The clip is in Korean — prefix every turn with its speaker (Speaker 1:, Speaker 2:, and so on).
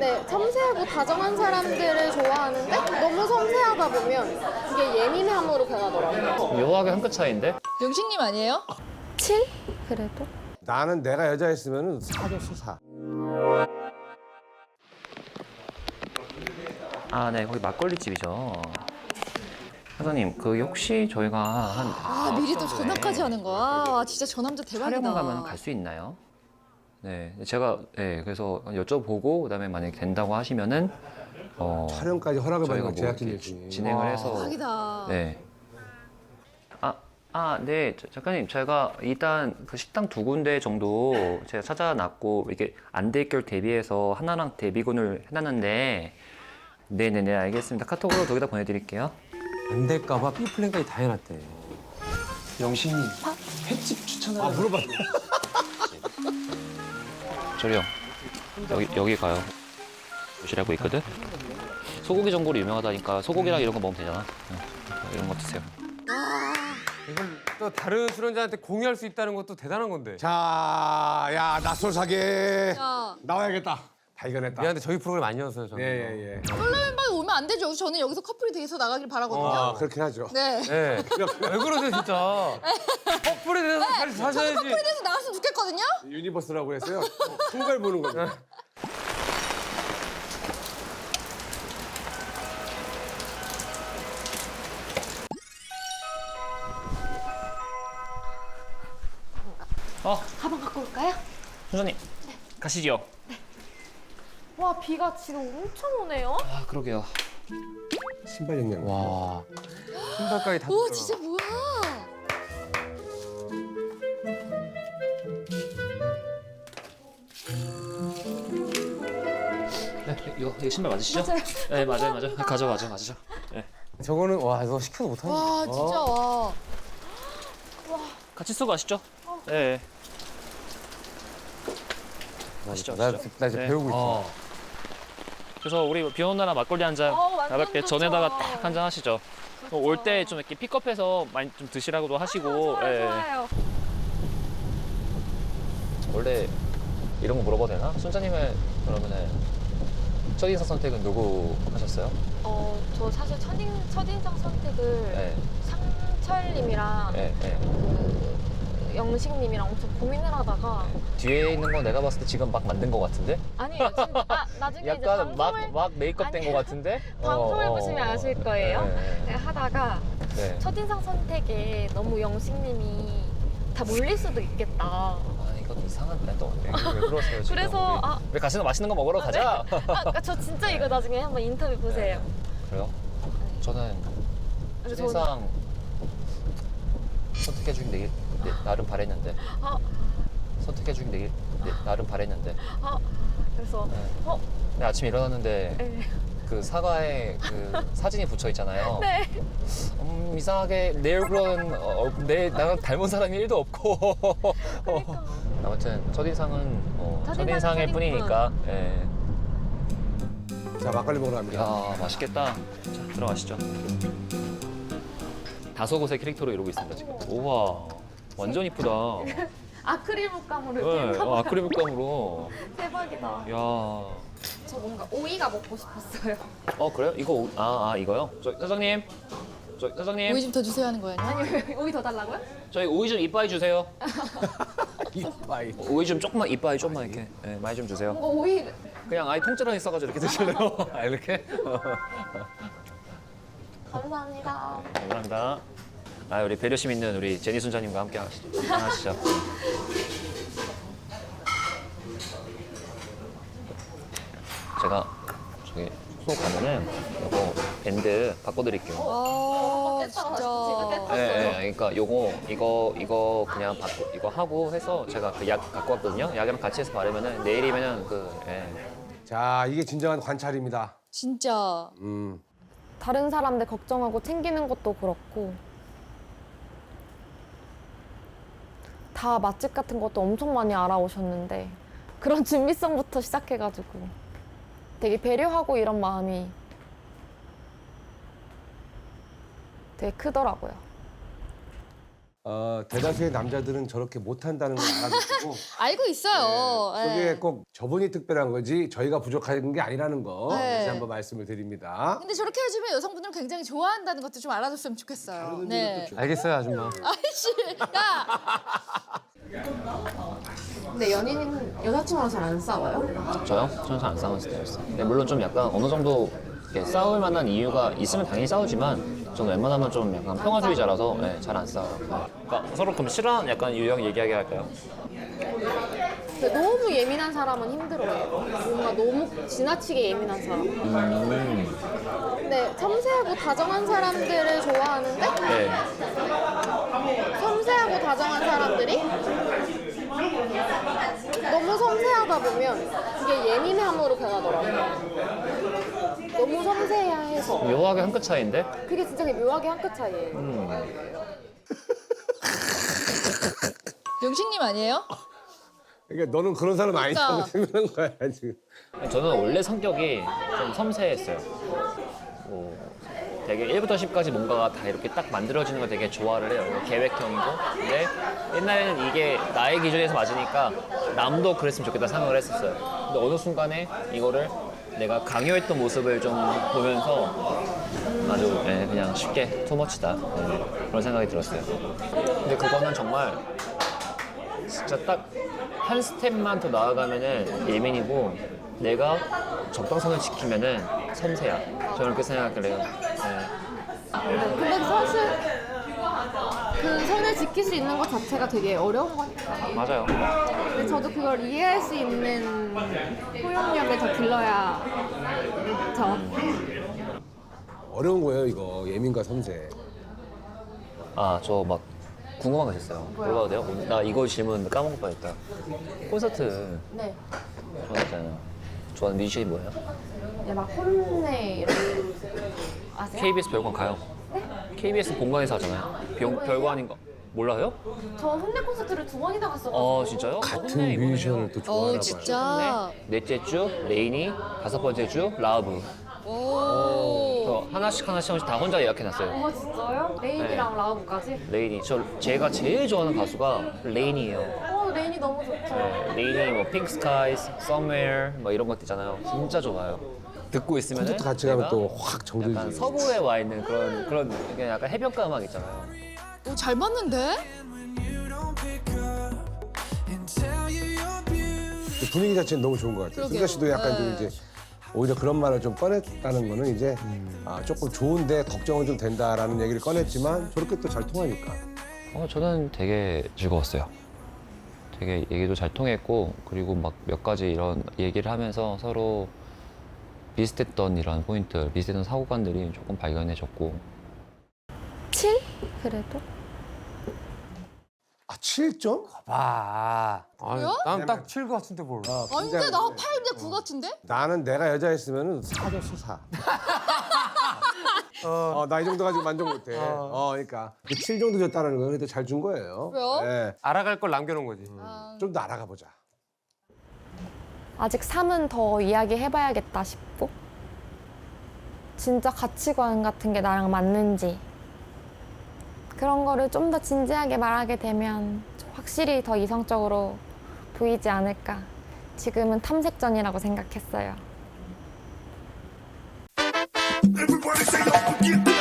Speaker 1: 근데 섬세하고 다정한 사람들을 좋아하는데 너무 섬세하다 보면 그게 예민함으로 변하더라고요.
Speaker 2: 묘하게 한 끗 차이인데?
Speaker 3: 영식님 아니에요?
Speaker 1: 7? 그래도?
Speaker 4: 나는 내가 여자였으면 4줬어, 4.
Speaker 2: 아, 네, 거기 막걸리 집이죠. 사장님, 그 혹시 저희가 한
Speaker 3: 아 미리 또 전화까지 하는 거야. 와 진짜 저 남자 대박이다.
Speaker 2: 촬영 가면 갈 수 있나요? 네, 제가 그래서 여쭤보고 그다음에 만약에 된다고 하시면은
Speaker 4: 촬영까지 허락을
Speaker 2: 저희가
Speaker 4: 받는
Speaker 2: 뭐
Speaker 4: 제작진이
Speaker 2: 이렇게 진행을 해서
Speaker 3: 대박이다.
Speaker 2: 네. 네, 작가님, 제가 일단 그 식당 2군데 정도 제가 찾아놨고 이렇게 안 될 결 대비해서 하나랑 대비군을 해놨는데 네네네 알겠습니다. 카톡으로 거기다 보내드릴게요.
Speaker 5: 안 될까봐 B 플랜까지 다 해놨대. 영식님 횟집 추천하는.
Speaker 4: 아, 물어봤네.
Speaker 2: 저리요. 여기 가요. 도시락고 있거든. 소고기 전골이 유명하다니까 소고기랑 이런 거 먹으면 되잖아. 이런 거 드세요.
Speaker 5: 이걸 또 다른 출연자한테 공유할 수 있다는 것도 대단한 건데.
Speaker 4: 자, 야, 낯설 사계.
Speaker 3: 야.
Speaker 4: 나와야겠다. 발견했다.
Speaker 5: 미안한데 저희 프로그램 아니어서요, 저는.
Speaker 4: 예.
Speaker 3: 솔로 멤버에 오면 안 되죠. 저는 여기서 커플이 돼서 나가길 바라거든요.
Speaker 4: 아, 그렇게 하죠.
Speaker 3: 네.
Speaker 5: 네. 왜 그러세요, 진짜? 커플에 대해서 잘
Speaker 3: 저도
Speaker 5: 사셔야지.
Speaker 3: 커플이 돼서 나갔으면 좋겠거든요.
Speaker 4: 유니버스라고 했어요. 큰 걸 보는 거죠.
Speaker 1: 가방 갖고 올까요?
Speaker 2: 순자님 가시죠.
Speaker 1: 와, 비가 지금 엄청 오네요.
Speaker 2: 아 그러게요.
Speaker 4: 신발 영양.
Speaker 2: 와.
Speaker 5: 신발까지 다.
Speaker 3: 오
Speaker 5: 뜯어라.
Speaker 3: 진짜 뭐야?
Speaker 2: 네, 이거 신발 맞으시죠? 네 맞아요. 가져가죠. 네.
Speaker 5: 저거는 와 이거 시켜도 못하는.
Speaker 3: 와 진짜 와.
Speaker 2: 같이 쓰고 가시죠. 네. 가시죠.
Speaker 5: 나 이제
Speaker 2: 네.
Speaker 5: 배우고 있어.
Speaker 2: 그래서 우리 비 오는 날은 막걸리 한 잔
Speaker 1: 완전
Speaker 2: 가볍게
Speaker 1: 좋죠.
Speaker 2: 전에다가 딱 한 잔 하시죠. 올 때 좀 이렇게 픽업해서 많이 좀 드시라고도 하시고. 예.
Speaker 1: 좋아요.
Speaker 2: 원래 이런 거 물어봐도 되나? 순자님은 그러면은 첫인상 선택은 누구 하셨어요?
Speaker 1: 저 사실 첫인상 선택을
Speaker 2: 네.
Speaker 1: 상철님이랑
Speaker 2: 네.
Speaker 1: 그 영식님이랑 엄청 고민을 하다가
Speaker 2: 뒤에 있는 거 내가 봤을 때 지금 막 만든 거 같은데?
Speaker 1: 아니에요. 진짜 나중에 이제
Speaker 2: 약간
Speaker 1: 방송을
Speaker 2: 막 메이크업 된 거 같은데?
Speaker 1: 방송을 보시면 아실 거예요.
Speaker 2: 네.
Speaker 1: 네, 하다가
Speaker 2: 네.
Speaker 1: 첫인상 선택에 너무 영식님이 다 몰릴 수도 있겠다.
Speaker 2: 아 이건 이상한 또 왜 그러세요 지금?
Speaker 1: 그래서
Speaker 2: 우리 같이 맛있는 거 먹으러 가자.
Speaker 1: 저 진짜 이거 나중에 한번 인터뷰 보세요.
Speaker 2: 그래요? 저는
Speaker 1: 그래서
Speaker 2: 첫인상 선택해주긴 나름 바랬는데
Speaker 1: 아,
Speaker 2: 선택해주긴 나름 바랬는데
Speaker 1: 그래서
Speaker 2: 근데 아침에 일어났는데
Speaker 1: 네.
Speaker 2: 그 사과에 그 사진이 붙여 있잖아요.
Speaker 1: 네.
Speaker 2: 이상하게 내 얼굴은 나랑 닮은 사람이 1도 없고. 아무튼 첫인상은 첫인상일
Speaker 1: 첫인상은
Speaker 2: 뿐이니까. 예.
Speaker 4: 자, 막걸리 먹으러 갑니다.
Speaker 2: 야 맛있겠다. 자 들어가시죠. 다소곳의 캐릭터로 이러고 있습니다 지금. 우와 완전 이쁘다.
Speaker 1: 아크릴 물감으로
Speaker 2: 네,
Speaker 1: 이렇게
Speaker 2: 아크릴 물감으로.
Speaker 1: 대박이다.
Speaker 2: 야.
Speaker 1: 저 뭔가 오이가 먹고 싶었어요.
Speaker 2: 그래요? 이거 이거요? 사장님. 사장님.
Speaker 3: 오이 좀 더 주세요 하는 거예요?
Speaker 1: 아니 오이 더 달라고요?
Speaker 2: 저희 오이 좀 이빠이 주세요.
Speaker 4: 이빠이.
Speaker 2: 오이 좀 조금만 이빠이 좀만 이렇게 많이 좀 주세요.
Speaker 1: 뭔가 오이
Speaker 2: 그냥 아예 통째로 있어가지고 이렇게 드실래요? 이렇게?
Speaker 1: 감사합니다.
Speaker 2: 감사합니다. 우리 배려심 있는 우리 제니 순자님과 함께 하시죠. 제가 저기 숙소 가면은 이거 밴드 바꿔드릴게요.
Speaker 3: 아 진짜.
Speaker 2: 그러니까 이거 그냥 이거 하고 해서 제가 그 약 갖고 왔거든요. 약이랑 같이 해서 바르면은 내일이면은
Speaker 4: 자, 이게 진정한 관찰입니다.
Speaker 3: 진짜.
Speaker 1: 다른 사람들 걱정하고 챙기는 것도 그렇고 다 맛집 같은 것도 엄청 많이 알아오셨는데 그런 준비성부터 시작해가지고 되게 배려하고 이런 마음이 되게 크더라고요.
Speaker 4: 대다수의 남자들은 저렇게 못한다는 걸 알아두시고
Speaker 3: 알고 있어요.
Speaker 4: 그게
Speaker 3: 네.
Speaker 4: 꼭 저분이 특별한 거지 저희가 부족한 게 아니라는 거
Speaker 3: 네.
Speaker 4: 다시 한번 말씀을 드립니다.
Speaker 3: 근데 저렇게 해주면 여성분들은 굉장히 좋아한다는 것도 좀 알아줬으면 좋겠어요. 네.
Speaker 5: 알겠어요, 아줌마.
Speaker 3: 아이씨, 야.
Speaker 1: 근데 연인은 여자친구랑 잘 안 싸워요?
Speaker 2: 저요? 저는 잘 안 싸우는 스타일이었어요. 근데 물론 좀 약간 어느 정도 이렇게 싸울 만한 이유가 있으면 당연히 싸우지만 저는 웬만하면 좀 약간 평화주의자라서 네, 잘 안 싸워요. 그러니까 서로 그럼 싫어하는 약간 유형 얘기하게 할까요?
Speaker 1: 근데 너무 예민한 사람은 힘들어요. 뭔가 너무 지나치게 예민한 사람. 근데 섬세하고 다정한 사람들을 좋아하는데
Speaker 2: 네.
Speaker 1: 섬세하고 다정한 사람들이 너무 섬세하다 보면 그게 예민함으로 변하더라고요. 너무 섬세해야 해서.
Speaker 2: 묘하게 한 끗 차이인데?
Speaker 1: 그게 진짜 묘하게 한 끗 차이예요.
Speaker 3: 영식님 아니에요?
Speaker 4: 그러니까 너는 그런 사람 아니라고
Speaker 3: 그러니까.
Speaker 4: 생각하는 거야 지금.
Speaker 2: 저는 원래 성격이 좀 섬세했어요. 뭐 되게 1부터 10까지 뭔가가 다 이렇게 딱 만들어지는 걸 되게 좋아를 해요. 계획형이고. 근데 옛날에는 이게 나의 기준에서 맞으니까 남도 그랬으면 좋겠다 생각을 했었어요. 근데 어느 순간에 이거를 내가 강요했던 모습을 좀 보면서 아주 그냥 쉽게 투머치다 그런 생각이 들었어요. 근데 그거는 정말 진짜 딱 한 스텝만 더 나아가면은 예민이고 내가 적당선을 지키면은 섬세야. 저는 그렇게 생각을 해요.
Speaker 1: 근데 사실 그 선을 지킬 수 있는 것 자체가 되게 어려운 거니까.
Speaker 2: 맞아요.
Speaker 1: 근데 저도 그걸 이해할 수 있는 포용력을 더 길러야 저.
Speaker 4: 어려운 거예요 이거 예민과 섬세.
Speaker 2: 아, 저 막 궁금한 거 있었어요. 물어봐도 돼요? 오늘 나 이거 질문 까먹을 뻔했다. 콘서트
Speaker 1: 네.
Speaker 2: 좋아하잖아요. 좋아하는 뮤지션이 뭐예요?
Speaker 1: 이제 막 혼내 이런 아세요?
Speaker 2: KBS 별관 가요. KBS 본관에서 하잖아요. 별관인 거 몰라요?
Speaker 1: 저 혼내 콘서트를 2번이나 갔어가지고.
Speaker 2: 진짜요?
Speaker 4: 같은 뮤지션을 또 좋아하나 봐요.
Speaker 3: 진짜.
Speaker 2: 넷째 주 레이니, 5번째 주 라브.
Speaker 3: 오.
Speaker 2: 저 하나씩 다 혼자 예약해놨어요.
Speaker 1: 진짜요? 레인이랑 라우브까지?
Speaker 2: 레이니. 제가 제일 좋아하는 가수가 레이니예요.
Speaker 1: 레인이 너무 좋죠.
Speaker 2: 네, 레이니 뭐 핑크 스카이스, Somewhere 뭐 이런 것도 있잖아요. 진짜 좋아요. 듣고 있으면
Speaker 4: 콘서트 같이 가면 또 확
Speaker 2: 약간
Speaker 4: 정들지.
Speaker 2: 서부에 와 있는 그런 그냥 약간 해변가 음악 있잖아요.
Speaker 3: 오, 잘 맞는데?
Speaker 4: 그 분위기 자체는 너무 좋은 것 같아요.
Speaker 3: 그러게요.
Speaker 4: 승자 씨도 약간 좀
Speaker 3: 네.
Speaker 4: 이제 오히려 그런 말을 좀 꺼냈다는 거는 이제 조금 좋은데 걱정은 좀 된다라는 얘기를 꺼냈지만 저렇게 또 잘 통하니까.
Speaker 2: 저는 되게 즐거웠어요. 되게 얘기도 잘 통했고 그리고 막 몇 가지 이런 얘기를 하면서 서로 비슷했던 이런 포인트, 비슷했던 사고관들이 조금 발견해졌고
Speaker 1: 7? 그래도?
Speaker 4: 7점?
Speaker 5: 봐.
Speaker 3: 그래요?
Speaker 5: 난딱 7 같은데 뭘.
Speaker 3: 아니, 근데 나 8대 9 같은데?
Speaker 4: 나는 내가 여자였으면 4 줬어 4. 나 이 정도 가지고 만족 못해. 그러니까 그 7 정도 줬다는 건 그래도 잘 준 거예요.
Speaker 3: 왜요?
Speaker 4: 네.
Speaker 5: 알아갈 걸 남겨놓은 거지.
Speaker 4: 좀 더 알아가 보자.
Speaker 1: 아직 3은 더 이야기해봐야겠다 싶고 진짜 가치관 같은 게 나랑 맞는지 그런 거를 좀 더 진지하게 말하게 되면 확실히 더 이성적으로 보이지 않을까. 지금은 탐색전이라고 생각했어요.
Speaker 6: Everybody say, don't forget